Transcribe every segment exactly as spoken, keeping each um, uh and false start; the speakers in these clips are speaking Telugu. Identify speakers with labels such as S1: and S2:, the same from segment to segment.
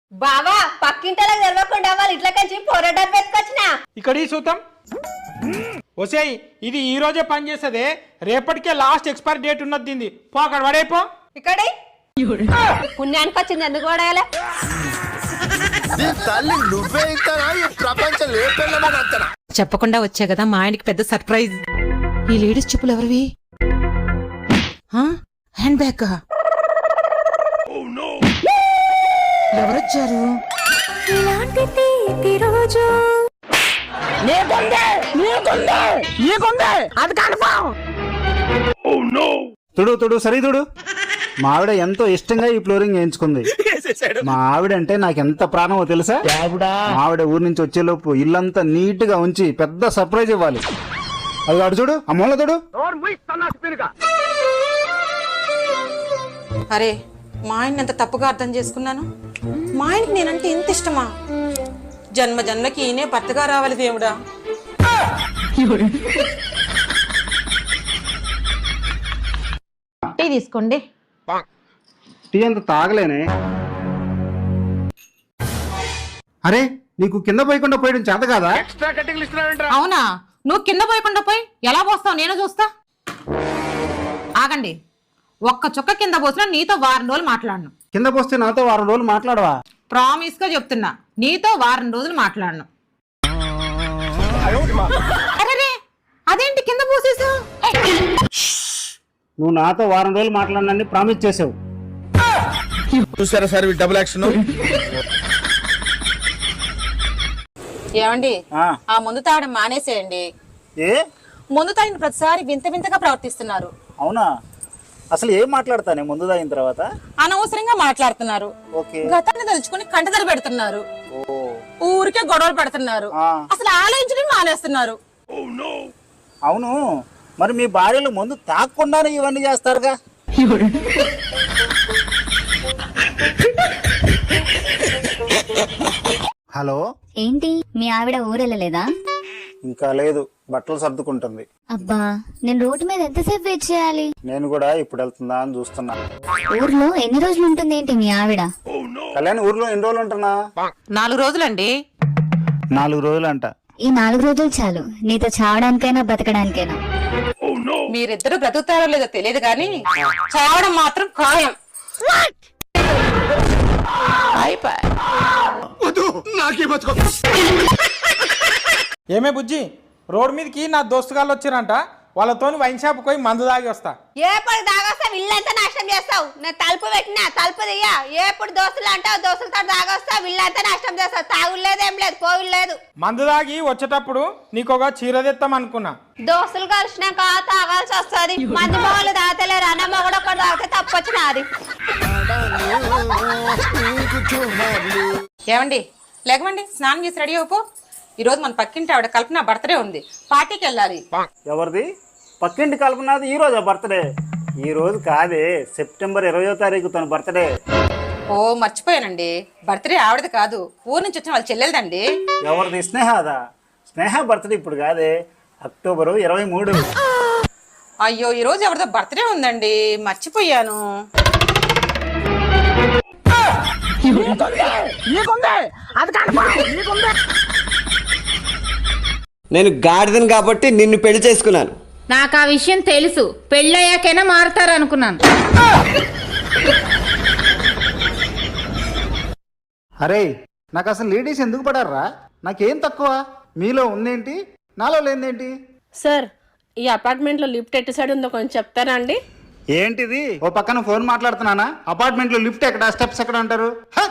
S1: బావా పక్కింటలకు తెలవకుండా వాళ్ళు ఇట్లా కంచి పోరాటం పెట్టుకొచ్చినా
S2: ఇక్కడ ఈ సూతం ఒసేయ్ ఇది ఈ రోజే పని చేసేదే, రేపటికే లాస్ట్ ఎక్స్పైరీ డేట్ ఉన్నది దీన్ని. పో అక్కడ పడైపో.
S1: ఇక్కడ పుణ్యానికి వచ్చింది ఎందుకు పడాలి?
S3: చెప్పకుండా వచ్చా కదా మా ఆయనకి పెద్ద సర్ప్రైజ్. ఈ లేడీస్ చెప్పులు ఎవరివి? Hand bag. ఎవరొచ్చారు?
S4: తుడు తుడు సరే తుడు. మా ఆవిడ ఎంతో ఇష్టంగా ఈ ఫ్లోరింగ్ వేయించుకుంది. మా ఆవిడ అంటే నాకు ఎంత ప్రాణమో తెలుసా? మా ఆవిడ ఊరి నుంచి వచ్చేలోపు ఇల్లంతా నీట్ గా ఉంచి పెద్ద సర్ప్రైజ్ ఇవ్వాలి. అది అడు చూడు, ఆ మూల చూడు.
S3: అరే మా ఆయన ఎంత తప్పుగా అర్థం చేసుకున్నాను. మా ఆయనకి నేనంటే ఇంత ఇష్టమా? జన్మ జన్మకి ఈయనే భర్తగా రావాలి దేవుడా. టీ తీసుకోండి.
S4: టీ అంత తాగలేనే. అరే నీకు కింద పోయకుండా పోయడం చేత కాదా?
S3: అవునా, నువ్వు కింద పోయకుండా పోయి ఎలా పోస్తావు నేను చూస్తా. ఆగండి, ఒక్క చుక్క కింద పోసినా నీతో వారం రోజులు మాట్లాడను.
S4: కింద పోస్తే నాతో వారం రోజులు మాట్లాడవా?
S3: ప్రామిస్ గా చెప్తున్నా, నీతో వారం రోజులు మాట్లాడను. అరే అదేంటి కింద పోసేసావు?
S4: నువ్వు నాతో వారం రోజులు మాట్లాడనని ప్రామిస్ చేసావు.
S5: చూసారా సార్ డబుల్ యాక్షన్.
S3: ఏమండి ఆ ముందు తాగడం మానేసేయండి.
S4: ఏ
S3: ముందు తాగిన ప్రతిసారి వింత వింతగా ప్రవర్తిస్తున్నారు.
S4: అవునా? అసలు ఏం మాట్లాడతానే ముందు తాగిన తర్వాత?
S3: అనవసరంగా మాట్లాడుతున్నారు. గతాన్ని తలుచుకుని కంటదర పెడుతున్నారు. ఊరికే గొడవలు పెడుతున్నారు. అసలు ఆలోచించడం మానేస్తున్నారు.
S4: అవును, మరి మీ భార్యలు ముందు తాగకుండానే ఇవన్నీ చేస్తారుగా? హలో,
S6: ఏంటి మీ ఆవిడ ఊరెళ్ళలేదా?
S4: ఇంకా లేదు, బట్టలు సర్దుకుంటుంది.
S6: అబ్బా, నేను రోడ్డు మీద ఎంతసేపు వెయిట్ చేయాలి?
S4: నేను కూడా ఇప్పుడు వెళ్తుందా అని చూస్తున్నా.
S6: ఊర్లో ఎన్ని రోజులు ఉంటుంది ఏంటి మీ ఆవిడ?
S4: కళ్యాణ్ ఊర్లో ఎన్ని రోజులు ఉంటున్నా?
S3: నాలుగు రోజులండి.
S4: నాలుగు రోజులు అంట.
S6: ఈ నాలుగు రోజులు చాలు నీతో చావడానికైనా బతకడానికైనా.
S3: మీరిద్దరు బ్రతుకుతారో లేదో తెలియదు కానీ చావడం మాత్రం ఖాయం.
S2: ఏమే బుజ్జి, రోడ్ మీదకి నా దోస్తుగాళ్ళు వచ్చిరంట, వాళ్ళతో వైన్ షాప్ పోయి మందు తాగి వస్తా.
S1: ఏప్పుడు దాగొస్తావు ఇల్లంతా నాశనం చేస్తావు. నేను తలుపు పెట్టినా తలుపు దియ్యా. ఏప్పుడు దోస్తులు అంటావు, దోస్తులతో దాగొస్తావు ఇల్లంతా నాశనం చేస్తావు. తాగులేదు ఏం లేదు, పోవులు లేదు.
S2: మందు తాగి వచ్చేటప్పుడు నీకొక చీర తెస్తాం అనుకున్నా.
S1: దోస్తులు కలిసినాక తాగాల్సి వస్తుంది. మంది మొగలు తాగలేరు, అన్న మొగడు ఒకటి తాగితే తప్పొచ్చిన అది.
S3: ఏమండి లేకమండి, స్నానం చేసి రెడీ అయిపో. ఈ రోజు మన పక్కింటి ఆవిడ కల్పన బర్త్డే ఉంది, పార్టీకి వెళ్ళాలి.
S4: ఎవరిది? పక్కింటి కల్పనది ఈ రోజు బర్త్డే? ఈ రోజు కాదే, సెప్టెంబర్ ఇరవయో తారీఖు తన బర్త్డే.
S3: ఓ మర్చిపోయానండి, బర్త్డే ఆవిడది కాదు, ఊరు నుంచి వచ్చిన వాళ్ళ చెల్లెలదండి.
S4: ఎవరిది? స్నేహదా? స్నేహ బర్త్డే ఇప్పుడు కాదే, అక్టోబరు ఇరవై మూడు.
S3: అయ్యో, ఈ రోజు ఎవరిదో బర్త్డే ఉందండి, మర్చిపోయాను.
S7: నేను గాడిదను కాబట్టి నిన్ను పెళ్లి చేసుకున్నాను.
S8: నాకు ఆ విషయం తెలుసు, పెళ్ళయ్యాకైనా మారుతారు అనుకున్నాను.
S4: అరే నాకు అసలు లేడీస్ ఎందుకు పడారా? నాకేం తక్కువ? మీలో ఉందేంటి, నాలో లేదేంటి?
S9: సార్, ఈ అపార్ట్మెంట్ లో లిఫ్ట్ ఎటు సైడ్ ఉందో కొంచెం చెప్తారా అండి?
S4: ఏంటిది? ఓ పక్కన ఫోన్ మాట్లాడుతున్నానా? అపార్ట్మెంట్ లో లిఫ్ట్ ఎక్కడ, స్టెప్స్ ఎక్కడ అంటారు?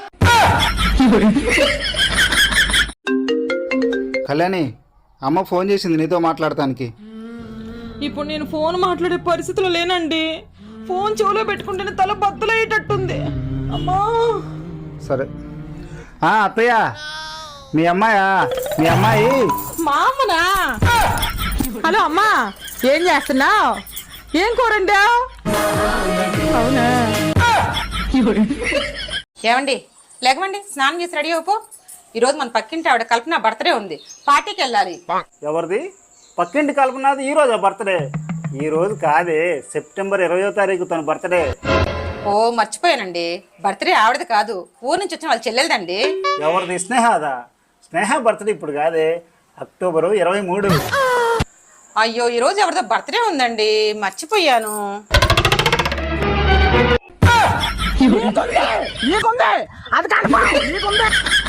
S4: కళ్యాణి, అమ్మ ఫోన్ చేసింది నీతో మాట్లాడటానికి.
S10: ఇప్పుడు నేను ఫోన్ మాట్లాడే పరిస్థితిలో లేనండి. ఫోన్ చెవులో పెట్టుకుంటేనే తల బద్దలయ్యేటట్టుంది. అమ్మా.
S4: సరే. ఆ అత్తయ్య, మీ అమ్మాయా? మీ అమ్మాయి
S10: మా అమ్మనా? హలో అమ్మా, ఏం చేస్తున్నావు? ఏం కూరండా? అవునా?
S3: ఏమండి లేకమండి, స్నానం చేసి రెడీ అయిపో. ఈ రోజు మన పక్కింటి ఆవిడ కల్పన బర్త్డే ఉంది, పార్టీకి వెళ్ళాలి.
S4: ఎవరిది? పక్కింటి కల్పనది ఈ రోజు బర్త్డే? ఈ రోజు కాదే, సెప్టెంబర్ ఇరవయో తారీఖు తన బర్త్డే.
S3: ఓ మర్చిపోయానండి, బర్త్డే ఆవిడది కాదు, ఊరు నుంచి వచ్చిన వాళ్ళ చెల్లెలదండి.
S4: ఎవరిది? స్నేహదా? స్నేహ బర్త్డే ఇప్పుడు కాదే, అక్టోబరు ఇరవై మూడు.
S3: అయ్యో ఈ రోజు ఎవరిదో బర్త్డే ఉందండి, మర్చిపోయాను.
S2: నీకుందే, నీకుందే, అది కాదు, నీకుందే.